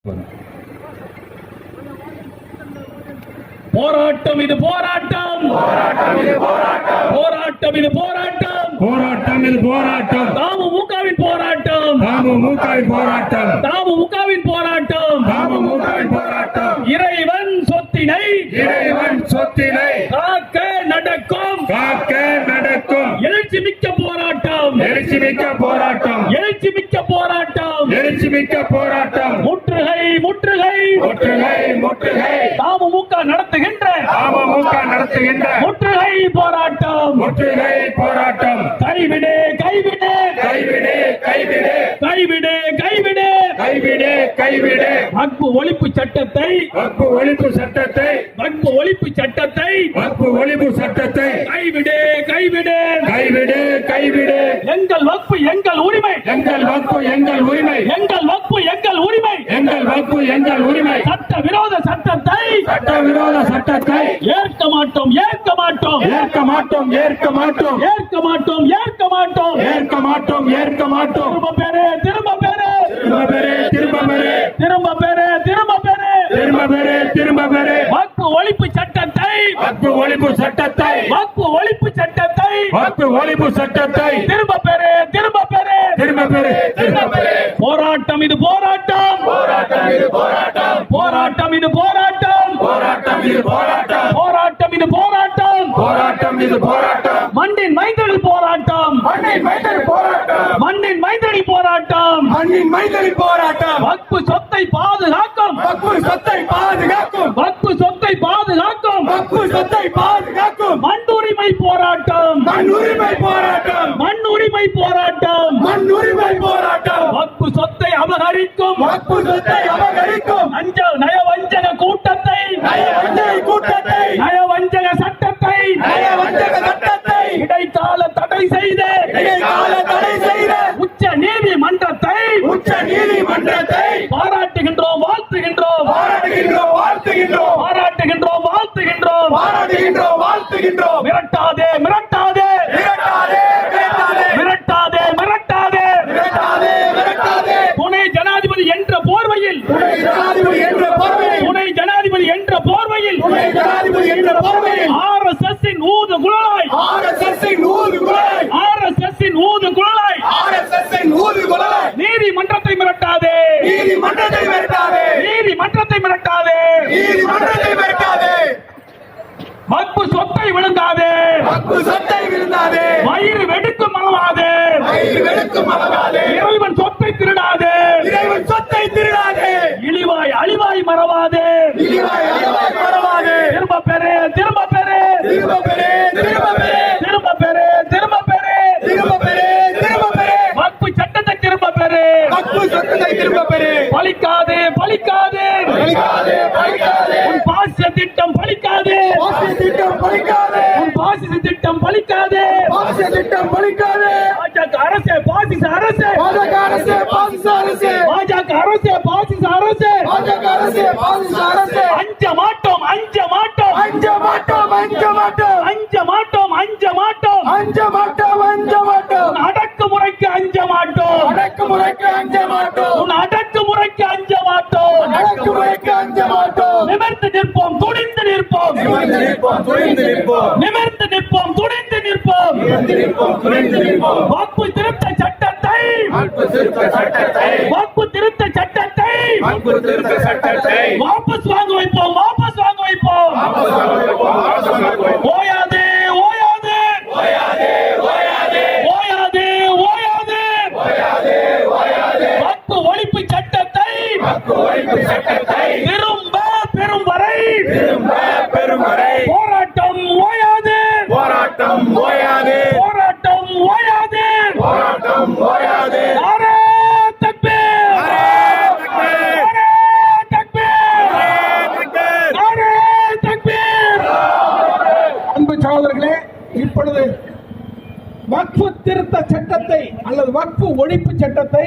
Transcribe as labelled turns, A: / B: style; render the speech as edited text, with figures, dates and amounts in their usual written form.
A: போராட்டம் இது போராட்டம், போராட்டம் இது போராட்டம்,
B: போராட்டம் இது போராட்டம்,
A: தமுமுகவின் போராட்டம்,
B: தமுமுகவின் போராட்டம்,
A: தமுமுகவின் போராட்டம்,
B: தமுமுகவின் போராட்டம்.
A: இறைவன் சொத்தினை,
B: இறைவன் சொத்தினை
A: காக்க நடக்கும்,
B: காக்க நடக்கும்
A: எழுச்சி மிக்க போராட்டம்,
B: எழுச்சி மிக்க போராட்டம்,
A: எழுச்சி மிக்க போராட்டம்,
B: எழுச்சி மிக்க போராட்டம்.
A: முற்றுகை முற்றுகை
B: முற்றுகை முற்றுகை
A: தமுமுக நடத்துகின்ற
B: தமுமுக நடத்துகின்ற
A: முற்றுகை போராட்டம்,
B: முற்றுகை போராட்டம்.
A: கைவிடு கைவிடு
B: கைவிடு கைவிடு
A: கைவிடு கைவிடு
B: கைவிடு கைவிடு
A: வக்பு ஒழிப்பு சட்டத்தை,
B: வக்பு ஒழிப்பு சட்டத்தை,
A: வக்பு ஒழிப்பு சட்டத்தை
B: வக்பு ஒழிப்பு சட்டத்தை
A: கைவிடு கைவிடு
B: கைவிடு கைவிடு.
A: எங்கள் வக்பு எங்கள் உரிமை,
B: எங்கள் வக்பு எங்கள் உரிமை,
A: எங்கள் வக்பு எங்கள் உரிமை,
B: எங்கள் வக்பு எங்கள் உரிமை.
A: சட்ட விரோத சட்டத்தை
B: சட்டவிரோத சட்டத்தை
A: ஏற்க மாட்டோம் ஏற்க மாட்டோம்
B: ஏற்க மாட்டோம் ஏற்க மாட்டோம்
A: ஏற்க மாட்டோம் ஏற்க மாட்டோம்.
B: ஏற்க மாட்டோம் ஏற்க மாட்டோம்.
A: திரும்ப பெறு திரும்ப பெறு
B: திரும்ப பெறு திரும்ப பெறு
A: திரும்ப பெறு திரும்ப பெறு
B: திரும்ப பெறு திரும்ப பெறு.
A: வக்பு ஒழிப்பு சட்டத்தை,
B: வக்பு ஒழிப்பு சட்டத்தை,
A: வக்பு ஒழிப்பு சட்டத்தை
B: வக்பு ஒழிப்பு சட்டத்தை
A: திரும்ப பெறு திரும்ப பெறு
B: திரும்ப பெறு திரும்ப பெறு.
A: போராட்டம் இது போராட்டம்,
B: போராட்டம் இது போராட்டம்,
A: போராட்டம் இது போராட்டம்,
B: போராட்டம் இது போராட்டம்,
A: போராட்டம் இது போராட்டம்,
B: போராட்டம் இது போராட்டம்.
A: மண்ணின் மைந்தரில் போராட்டம்,
B: மண்ணின் மைந்தரி போராட்டம்,
A: மண்ணின் மைந்தரில் போராட்டம்,
B: மண்ணின் மைந்தரி போராட்டம்.
A: வக்பு சொத்தை பாதுகாக்கும்,
B: வக்பு சொத்தை பாதுகாக்கும்,
A: வக்பு சொத்தை பாதுகாக்கும்,
B: வக்பு சொத்தை பாதுகாக்கும்.
A: மண் உரிமை போராட்டம்,
B: மண் உரிமை போராட்டம்,
A: மண் உரிமை போராட்டம்,
B: மண் உரிமை போராட்டம்.
A: வக்பு சொத்தை அபகரிக்கும்,
B: வக்பு சொத்தை அபகரிக்கும்
A: நயவஞ்சக கூட்டத்தை,
B: நயவஞ்சக கூட்டத்தை,
A: நயவஞ்சக சட்டத்தை,
B: நயவஞ்சக சட்டத்தை
A: இடைக்கால தடை செய்த
B: இடைக்கால தடை செய்த
A: உச்ச நீதிமன்றத்தை
B: உச்ச நீதிமன்றத்தை
A: பாராட்டுகின்றோம் வாழ்த்துகின்றோம்,
B: பாராட்டுகின்றோம் வாழ்த்துகின்றோம்,
A: பாராட்டுகின்றோம் வாழ்த்துகின்றோம்.
B: பாராட்டுகின்றோம் வாழ்த்துகின்றோம்.
A: மிரட்டாதே மிரட்டாதே
B: மிரட்டாதே மிரட்டாதே
A: மிரட்டாதே மிரட்டாதே
B: மிரட்டாதே மிரட்டாதே.
A: துணை ஜனாதிபதி என்ற போர்வையில்,
B: துணை ஜனாதிபதி என்ற போர்வையில்,
A: துணை ஜனாதிபதி என்ற போர்வையில்
B: துணை ஜனாதிபதி என்ற போர்வையில்
A: RSS இன் ஊது குழலாய்,
B: RSS இன் ஊது குழலாய்,
A: RSS இன் ஊது குழலாய்
B: RSS இன் ஊது குழலாய்.
A: நீதிமன்றத்தை மிரட்டாதே,
B: நீதிமன்றத்தை மிரட்டாதே,
A: நீதிமன்றத்தை மிரட்டாதே,
B: நீதிமன்றத்தை மிரட்டாதே.
A: வக்பு சொத்தை விழுங்காதே,
B: வக்பு சொத்தை விழுந்தாதே,
A: வயிறு வெடுக்கும் அளவாதே,
B: வயிறு வெளுக்கும் அளவாதே,
A: இறைவன் சொத்தை திருடாதே,
B: இறைவன் சொத்தை திருடாதே,
A: இழிவாய் அழிவாய் மறவாதே,
B: இழிவாய் அழிவாய் மறவாதே.
A: திரும்ப பெறு திரும்ப பெறு
B: திரும்ப பெறு திரும்ப பெறு
A: திரும்ப பெறு திரும்ப பெறு
B: திரும்ப பெறு திரும்ப பெறு.
A: வக்பு சட்டத்தை திரும்ப பெறு,
B: வக்பு சொத்தை திரும்ப பெறு.
A: பலிக்காதே பலிக்காதே,
B: பலிக்காதே பலிக்காதே,
A: உன் பாசிச திட்டம் பலிக்காதே,
B: பாசிச திட்டம் பலிக்காதே,
A: உன் பாசிச திட்டம் பலிக்காதே.
B: பாசிச திட்டம் பலிக்காதே.
A: பாஜக அரசே பாசிச அரசே,
B: பாஜக அரசே பாசிச அரசே,
A: பாஜக அரசே பாசிச அரசே,
B: பாஜக அரசே பாசிச அரசே.
A: அஞ்ச மாட்டோம் அஞ்ச மாட்டோம்
B: அஞ்ச மாட்டோம் அஞ்ச மாட்டோம்
A: அஞ்ச மாட்டோம் அஞ்ச மாட்டோம்,
B: அஞ்ச மாட்டோம் அஞ்ச மாட்டோம்.
A: உன் அடக்குமுறைக்கு அஞ்ச மாட்டோம்,
B: அடக்குமுறைக்கு அஞ்ச மாட்டோம்,
A: உன் அடக்குமுறைக்கு அஞ்ச மாட்டோம்.
B: அடக்குமுறைக்கு அஞ்ச மாட்டோம்.
A: நிமிர்ந்து நிற்போம் துணிந்து நிற்போம்,
B: நிமிர்ந்து நிற்போம் துணிந்து நிற்போம்,
A: நிமிர்ந்து நிற்போம் துணிந்து நிற்போம்.
B: நிமிர்ந்து நிற்போம் துணிந்து நிற்போம்.
A: வக்பு திருத்த சட்டத்தை,
B: வக்பு திருத்த சட்டத்தை,
A: வக்பு திருத்த சட்டத்தை
B: வக்பு திருத்த சட்டத்தை
A: வாபஸ் வாங்க வைப்போம், வாபஸ் வாங்க வைப்போம்.
B: வாபஸ் வாங்க வைப்போம், வாபஸ் வாங்க வைப்போம்.
A: ஓயாதே ஓயாதே
B: ஓயாதே ஓயாதே
A: ஓயாதே ஓயாதே
B: ஓயாதே ஓயாதே.
A: வக்பு ஒழிப்பு சட்டத்தை
B: வக்பு ஒழிப்பு சட்டத்தை
A: திரும்ப பெறும் வரை
B: திரும்ப பெறும் வரை
A: போராட்டம் ஓயாது,
B: போராட்டம் ஓயாதே,
A: போராட்டம் ஓயாது.
B: போராட்டம் ஓயாதே.
A: நாரே தக்பீர், நாரே தக்பீர், நாரே தக்பீர்.
C: அன்பு சகோதரர்களே, இப்பொழுது வக்ஃபு திருத்த சட்டத்தை அல்லது வக்ஃபு ஒழிப்பு சட்டத்தை